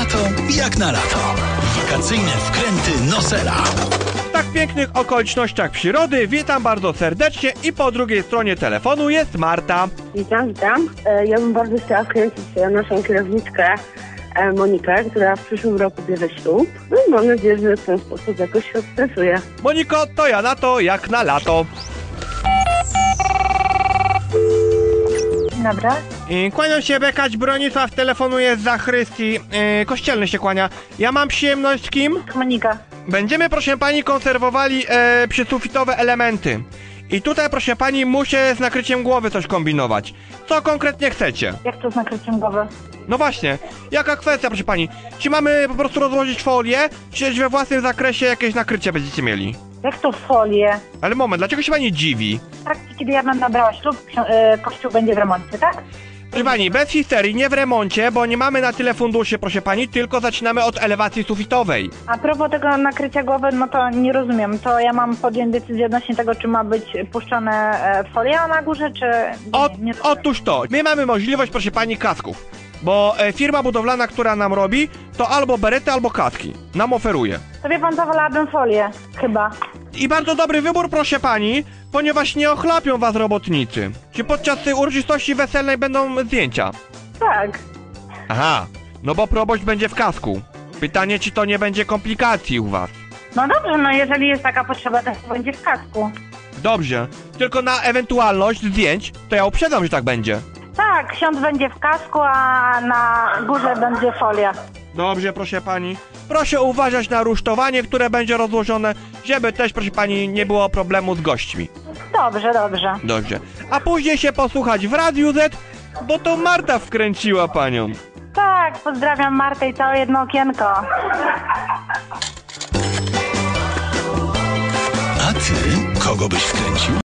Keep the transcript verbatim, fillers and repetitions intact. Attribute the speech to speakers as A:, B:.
A: lato jak na lato. Wakacyjne wkręty Nosela.
B: W tak pięknych okolicznościach przyrody witam bardzo serdecznie i po drugiej stronie telefonu jest Marta.
C: Witam, witam. E, Ja bym bardzo chciała wkręcić e, naszą kierowniczkę e, Monikę, która w przyszłym roku bierze ślub. No i mam nadzieję, że w ten sposób jakoś się odstresuje.
B: Moniko, to ja na to jak na lato.
D: Dobra.
B: Yy, Kłaniam się, Bekać, Bronisław, telefonuje z zachrystii. Yy, kościelny się kłania. Ja mam przyjemność z kim?
D: Monika.
B: Będziemy, proszę pani, konserwowali e, przysufitowe elementy. I tutaj, proszę pani, muszę z nakryciem głowy coś kombinować. Co konkretnie chcecie?
D: Jak to z nakryciem głowy?
B: No właśnie, jaka kwestia, proszę pani? Czy mamy po prostu rozłożyć folię, czy we własnym zakresie jakieś nakrycie będziecie mieli?
D: Jak to folię?
B: Ale moment, dlaczego się pani dziwi?
D: W trakcie, kiedy ja będę brała ślub, ksi- e, kościół będzie w remoncie, tak?
B: Proszę pani, bez histerii, nie w remoncie, bo nie mamy na tyle funduszy, proszę pani, tylko zaczynamy od elewacji sufitowej.
D: A propos tego nakrycia głowy, no to nie rozumiem. To ja mam podjąć decyzję odnośnie tego, czy ma być puszczone e, folia na górze, czy...
B: O,
D: nie, nie rozumiem.
B: otóż to, my mamy możliwość, proszę pani, kasków. Bo e, firma budowlana, która nam robi, to albo berety, albo kaski. Nam oferuje.
D: To wie pan co, wolałabym folię, chyba.
B: I bardzo dobry wybór, proszę pani, ponieważ nie ochlapią was robotnicy. Czy podczas tej uroczystości weselnej będą zdjęcia?
D: Tak.
B: Aha, no bo proboszcz będzie w kasku. Pytanie, czy to nie będzie komplikacji u was?
D: No dobrze, no jeżeli jest taka potrzeba, to będzie w kasku.
B: Dobrze, tylko na ewentualność zdjęć, to ja uprzedzam, że tak będzie.
D: Tak, ksiądz będzie w kasku, a na górze będzie folia.
B: Dobrze, proszę pani. Proszę uważać na rusztowanie, które będzie rozłożone, żeby też, proszę pani, nie było problemu z gośćmi.
D: Dobrze, dobrze.
B: Dobrze. A później się posłuchać w Radiu Z, bo to Marta wkręciła panią.
D: Tak, pozdrawiam Martę i całe jedno okienko.
A: A ty kogo byś wkręcił?